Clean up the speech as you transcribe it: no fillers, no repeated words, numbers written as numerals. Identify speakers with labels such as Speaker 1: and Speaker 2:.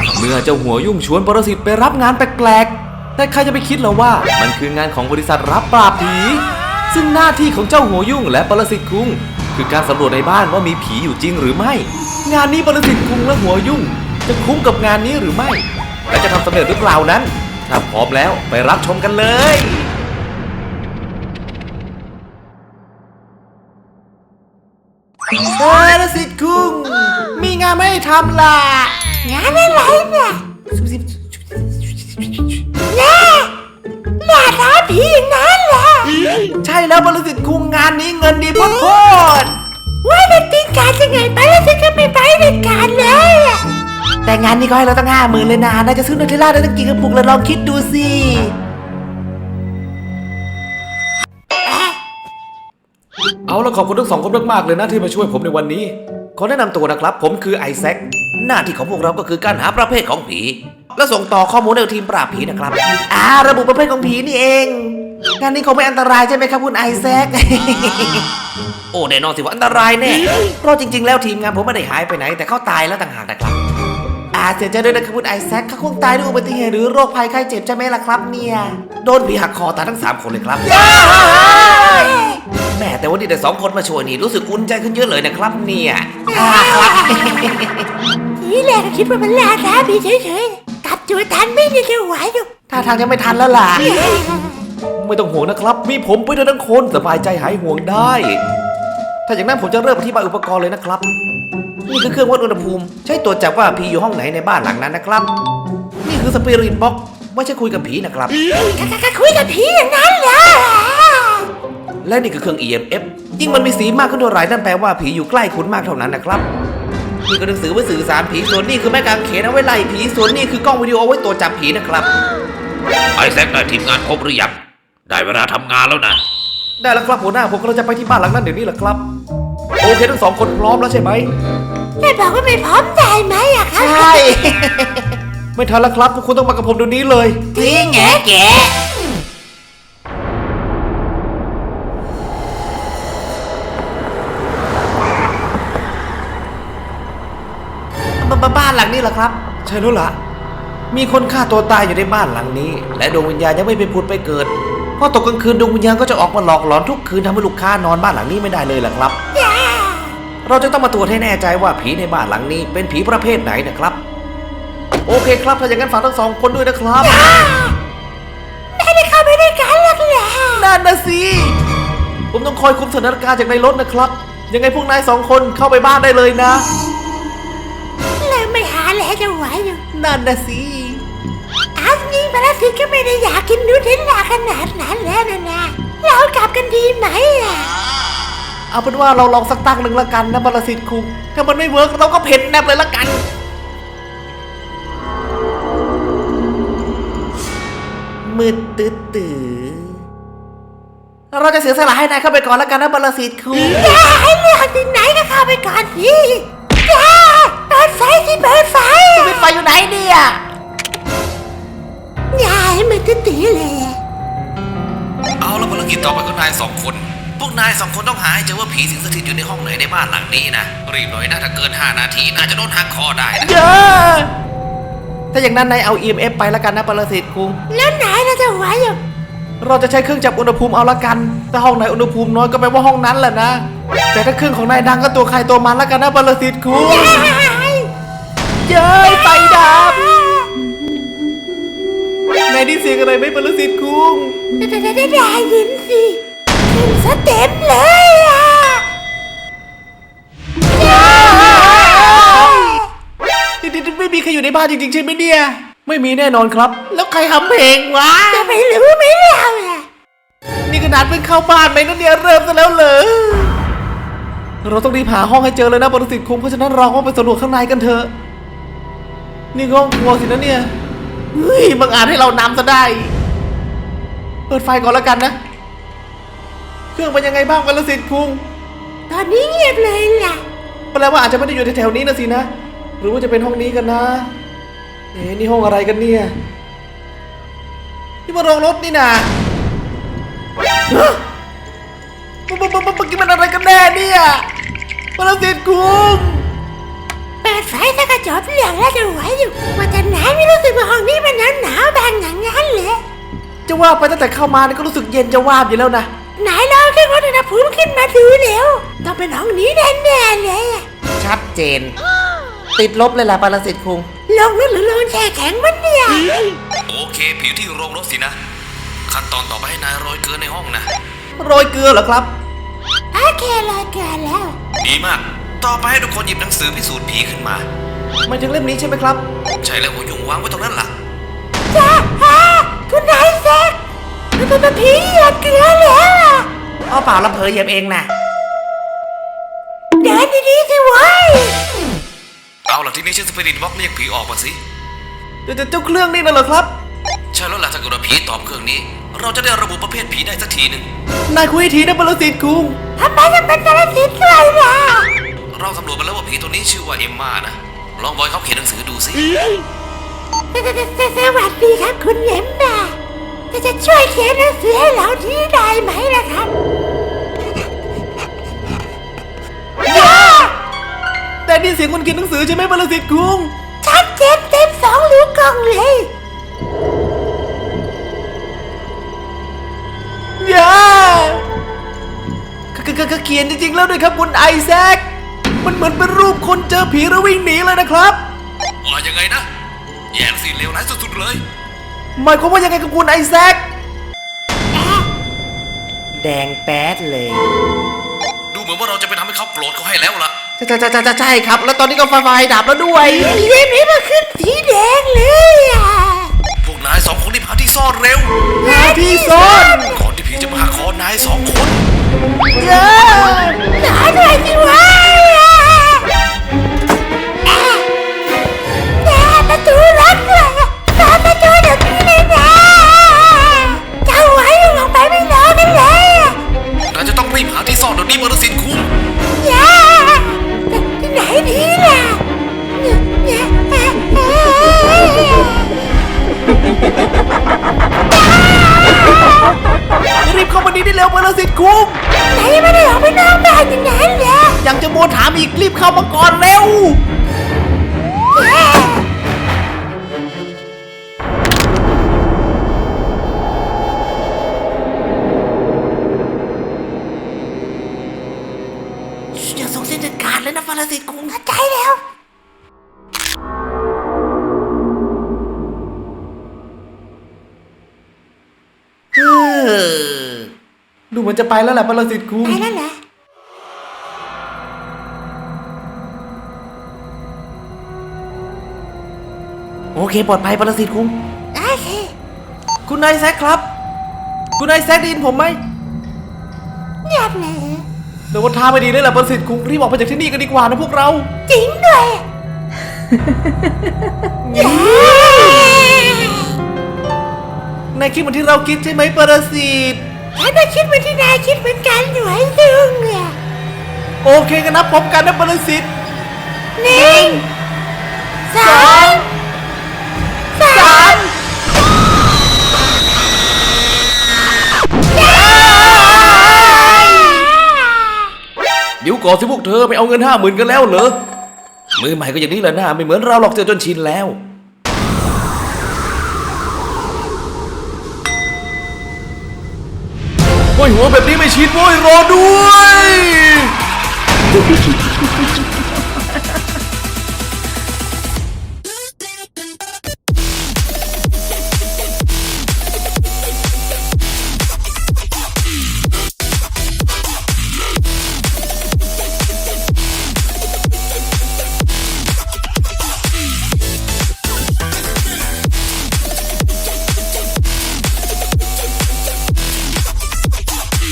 Speaker 1: เมื่อเจ้าหัวยุ่งชวนปรสิตไปรับงานแปลกๆแต่ใครจะไปคิดล่ะว่ามันคืองานของบริษัทรับปราบผีซึ่งหน้าที่ของเจ้าหัวยุ่งและปรสิตคุงคือการสำรวจในบ้านว่ามีผีอยู่จริงหรือไม่งานนี้ปรสิตคุงและหัวยุ่งจะคุ้มกับงานนี้หรือไม่และจะทำสำเร็จหรือเปล่านั้นถ้าพร้อมแล้วไปรับชมกันเลยปรสิตคุงมีงานไม่ให้ทำล่ะ
Speaker 2: งานอะไรเนี่ยล่าท้าผีอย่างนั้นเหรอ
Speaker 1: ใช่แล้วปรสิตคุงงานนี้เงินดีโคตร
Speaker 2: ว่าเป็นติงการยังไงไปแล้วฉันก็ไม่ไปเป็นการเลยอะ
Speaker 1: แต่งานนี้ก็ให้เราตั้ง50,000เลยนะน่าจะซื้อนูเทลล่าได้ตั้งกี่กระปุกแล้วลองคิดดูสิเอาละขอบคุณทั้งสองคนมากๆเลยนะที่มาช่วยผมในวันนี้ขอแนะนำตัวนะครับผมคือไอแซคหน้าที่ของพวกเราก็คือการหาประเภทของผีและส่งต่อข้อมูลให้ทีมปราบผีนะครับระบุประเภทของผีนี่เองงานนี้คงไม่อันตรายใช่ไหมครับคุณไอแซค โอ้แน่นอนสิว่าอันตรายแน่เพราะจริงๆแล้วทีมงานผมไม่ได้หายไปไหนแต่เขาตายแล้วต่างหากนะครับเสียใจด้วยนะครับคุณไอแซคเขาคงตายด้วยอุบัติเหตุหรือโรคภัยไข้เจ็บใช่ไหมล่ะครับเนี่ยโดนผีหักคอตายทั้ง3คนเลยครับแม่แต่วันนี้แต่2คนมาช่วยนี่รู้สึกอุ่นใจขึ้นเยอะเลยนะครับเนี่ยครับ
Speaker 2: ทีแรกก็คิดว่ามันล่าท้าผีเฉยๆกลับตัวทันไม่ได้จะไหวอยู่
Speaker 1: ท่าทางจะไม่ทันแล้วล่ะไม่ต้องห่วงนะครับมีผมไปด้วยทั้งคนสบายใจหายห่วงได้ถ้าอย่างนั้นผมจะเริ่มอธิบายอุปกรณ์เลยนะครับนี่คือเครื่องวัดอุณหภูมิใช้ตรวจจับว่าผีอยู่ห้องไหนในบ้านหลังนั้นนะครับนี่คือสปิริตบ็อกซ์ไม่ใช่คุยกับผีนะครับ
Speaker 2: ก็คุยกับผีอย่างนั้นเหรอ
Speaker 1: และนี่คือเครื่อง EMF ยิ่งมันมีสีมากขึ้นเท่าไหร่นั่นแปลว่าผีอยู่ใกล้คุณมากเท่านั้นนะครับนี่ก็หนังสือไว้สื่อสารผีส่วนนี่คือแม่กางเขนเอาไว้ไล่ผีส่วนนี่คือกล้องวิดีโอเอาไว้ตรวจจับผีนะครับไอแซคได้ทีมงานครบหรือยังได้เวลาทำงานแล้วนะได้แล้วครับหัวหน้าผมกำลังจะไปที่บ้านหลังนั้นเดี๋ยวนี้แหละครับโอเคทั้ง2คนพร้อมแล้วใช่ไหม
Speaker 2: ไม่บอกว่าไม่พร้อมได้ไหมอะครับ
Speaker 1: ใช่ ไม่ทันแล้วครับพวกคุณต้องมากับผมเดี๋ยวนี้เลย
Speaker 2: จริงแงแก
Speaker 1: บ้านหลังนี้เหรอครับใช่แล้วล่ะมีคนฆ่าตัวตายอยู่ในบ้านหลังนี้และดวงวิญญาณยังไม่ไปผุดไปเกิดพอตกกลางคืนดวงวิญญาณก็จะออกมาหลอกหลอนทุกคืนทำให้ลูกค้านอนบ้านหลังนี้ไม่ได้เลยล่ะครับเราจะต้องมาตรวจให้แน่ใจว่าผีในบ้านหลังนี้เป็นผีประเภทไหนนะครับโอเคครับถ้าอย่างนั้นฝากทั้ง2คนด้วยนะครับ
Speaker 2: ไม่ได้เข้าไปด้วยกันหรอกเหรอ
Speaker 1: นั่นนะสิผมต้องคอยคุมสถานการณ์จากในรถนะครับยังไงพวกนาย2คนเข้าไปบ้านได้เลยนะ
Speaker 2: แล้วไม่หาแล้วจะไหวอยู่
Speaker 1: นั่นนะสิ
Speaker 2: อันนี้มาแล้วสิก็ไม่ได้อยากกินนูเทลล่าขนาดนั้นแล้วนะเรากลับกันดีไหมอะ
Speaker 1: เอาเป็นว่าเราลองสักตั้งหนึ่งละกันนะบรสิทธิ์คุงถ้ามันไม่เวิร์กเราก็เพ่นแนบเลยละกันมืดตื้อเราจะเสียสละให้นายเข้าไปก่อนละกันนะบรสิทธิ์คุง
Speaker 2: อย่าให้เลือกที่ไหนก็เข้าไปก่อนสิอย่าเปิดไฟสิเปิดไฟ
Speaker 1: ปิดไฟอยู่ไหนเนี่ย
Speaker 2: อย่าให้มันตื้อเลย
Speaker 1: เอาแล้วภารกิจต่อไปก็นาย2คนพวกนาย2คนต้องหาให้เจอว่าผีสิงสถิตอยู่ในห้องไหนในบ้านหลังนี้นะรีบหน่อยนะถ้าเกิน5 นาทีน่าจะโดนหักคอได้นะเยอะถ้าอย่างนั้นนายเอา EMF ไปละกันนะปรสิตคุง
Speaker 2: แล้วไหนเราจะไหวอยู่
Speaker 1: เราจะใช้เครื่องจับอุณหภูมิเอาละกันถ้าห้องไหนอุณหภูมิน้อยก็แปลว่าห้องนั้นแหละนะแต่ถ้าเครื่องของนายดังก็ตัวใครตัวมันละกันนะปรสิตคุงเย้ยไฟดับนายได้เสียงอะไรไหมปรสิตคุง
Speaker 2: ได้ยินสิขึ้นซะเต็มเลยอ่ะ
Speaker 1: ไม่มีใครอยู่ในบ้านจริงๆใช่ไหมเนี่ยไม่มีแน่นอนครับแล้วใครทำเพลงวะ
Speaker 2: จะไม่รู้ไหมเราอ่ะ
Speaker 1: นี่ขนาดเพิ่งเข้าบ้านไปนั่นเนี่ยเริ่มซะแล้วเหรอเราต้องรีบหาห้องให้เจอเลยนะปรสิตคุงเพราะฉะนั้นเราก็ไปสำรวจข้างในกันเถอะนี่ห้องครัวสินะเนี่ยเฮ้ยบังอาจให้เรานำซะได้เปิดไฟก่อนแล้วกันนะเครื่องเป็นยังไงบ้างปรสิตคุง
Speaker 2: ตอนนี้เงียบเลยล่ะ
Speaker 1: แปลว่าอาจจะไม่ได้อยู่แถวๆนี้นะสินะหรือว่าจะเป็นห้องนี้กันนะนี่ห้องอะไรกันเนี่ยนี่มันโรงรถนี่นะเมื่อกี้มันอะไรกันแน่เนี่ยปรสิตคุง
Speaker 2: เปิดไฟถ้ากระจกเรื่องแล้วจะไหวอยู่ว่าจะ
Speaker 1: ว่าไปตั้งแต่เข้ามาเนี่ยก็รู้สึกเย็นจะวาบอยู่แล้วนะ
Speaker 2: ไหนลองแค่วัดอุณหภูมิขึ้นมาดูเร็วต้องเป็นห้องนี้แน่ๆเลยอะ
Speaker 1: ชัดเจน ติดลบเลยล่ะปรสิตคุง
Speaker 2: ลงนู่นหรือลงแช่แข็งมันเนี่ย
Speaker 1: โอเคผิวที่โรงรถสินะ ขั้นตอนต่อไปให้นายโรยเกลือในห้องนะโรยเกลือเหรอครับ
Speaker 2: โอเครอเกินแล้ว
Speaker 1: ดีมาก ต่อไปให้ทุกคนหยิบหนังสือพิสูจน์ผีขึ้นมาหมายถึงเล่มนี้ใช่ไหมครับ ใช่แล้วหัวยุงวางไว้ตรงนั้นล่ะ
Speaker 2: จ้าคุณนายแซกมันเป็นผีเหยียบเกลือแล้วอะ
Speaker 1: เอาเปล่าลำเพยเหยียบเองนะ
Speaker 2: เดินดีๆสิเว้ย
Speaker 1: เอาล่ะที่นี่ใช้สปิริตบล็อกเรียกผีออกมาสิเจ้าเครื่องนี่น่ะเหรอครับ ใช่แล้วล่ะถ้าเกิดว่าผีตอบเครื่องนี้ เราจะได้ระบุประเภทผีได้สักทีหนึ่งนายคุยทีนะปรสิตคุง
Speaker 2: ทำไมจะเป็นกระสินด้วยล่ะ
Speaker 1: เราสำรวจมาแล้วว่าผีตัวนี้ชื่อว่าเอมมานะ ลองบอยเขาเขียนหนังสือดูสิ
Speaker 2: สวัสดีครับคุณเอ็มมาจะช่วยเขียนหนังสือให้เราที่ได้ไหมล่ะครับ
Speaker 1: แต่นี่เสียงคนเขียนหนังสือใช่ไหมปรสิตคุง
Speaker 2: ชัดเจนเต็ม2 ลูกกล่องเลย
Speaker 1: อย่าเขียนจริงๆแล้วด้วยครับคุณไอแซค มันเหมือนเป็นรูปคนเจอผีแล้ววิ่งหนีเลยนะครับว่ายังไงนะ แย่สิเลวร้ายสุดๆเลยหมายความว่ายังไงกับคุณไอแซค แดงแป๊ดเลย ดูเหมือนว่าเราจะไปทำให้เขาโกรธเขาให้แล้วล่ะใช่ครับ แล้วตอนนี้ก็ไฟดับแล้วด้วย
Speaker 2: เล่มนี้มันขึ้นสีแดงเลยอ่ะ
Speaker 1: พวกนาย2 คนรีบหาที่ซ่อนเร็ว
Speaker 2: หาที่ซ่อน
Speaker 1: ก่อนที่ผีจะมาหาคอนาย2 คน
Speaker 2: หาหน่อยสิวะประตูล็อกเลยเปิดประตูเดี๋ยวนี้เลยนะเจ้าไว้ลงไปไม่รอกันเลย
Speaker 1: นายจะต้องรีบหาที่ซ่อนเดี๋ยวนี้ปรสิตคุง
Speaker 2: อย่าที่ไหนดีล่ะ
Speaker 1: รีบเข้ามานี้ได้เร็วปรสิตคุง
Speaker 2: ไหนไม่ได้ออกไปนอกบ้านอย่างนั้นเหรอ
Speaker 1: ยังจะโมถามอีกรีบเข้ามาก่อนเร็ว อย่าส่งเส้นเด็ดขาดเลยนะปรสิตคุง
Speaker 2: เข้าใจแล้ว
Speaker 1: ดูเหมือนจะไปแล้วแหละปรสิตคุง
Speaker 2: ไปแล้วเหรอ
Speaker 1: โอเคปลอดภัยปรสิตคุง
Speaker 2: โอเค
Speaker 1: คุณนายแซคครับ คุณนายแซคได้ยินผมไหม
Speaker 2: เงียบเลย
Speaker 1: เดี๋ยวว่าท่าไม่ดีเลยแหละปรสิตคุงรีบออกไปจากที่นี่กันดีกว่านะพวกเรา
Speaker 2: จริงด้วย
Speaker 1: นายคิดเหมือนที่เราคิดใช่ไหมปรสิต
Speaker 2: ฉันก็คิดเหมือนที่นายคิดเหมือนกันหน่วยซึ่งอ่ะ
Speaker 1: โอเคกันนะพร้อมกันนะปรสิต
Speaker 2: 1 2 3
Speaker 1: เดี๋ยวก่อนสิพวกเธอไปเอาเงิน50,000กันแล้วเหรอ มือใหม่ก็อย่างนี้แหละนะไม่เหมือนเราหรอกเจอจนชินแล้ว โอ้ยหัวแบบนี้ไม่ชินโว้ยรอด้วย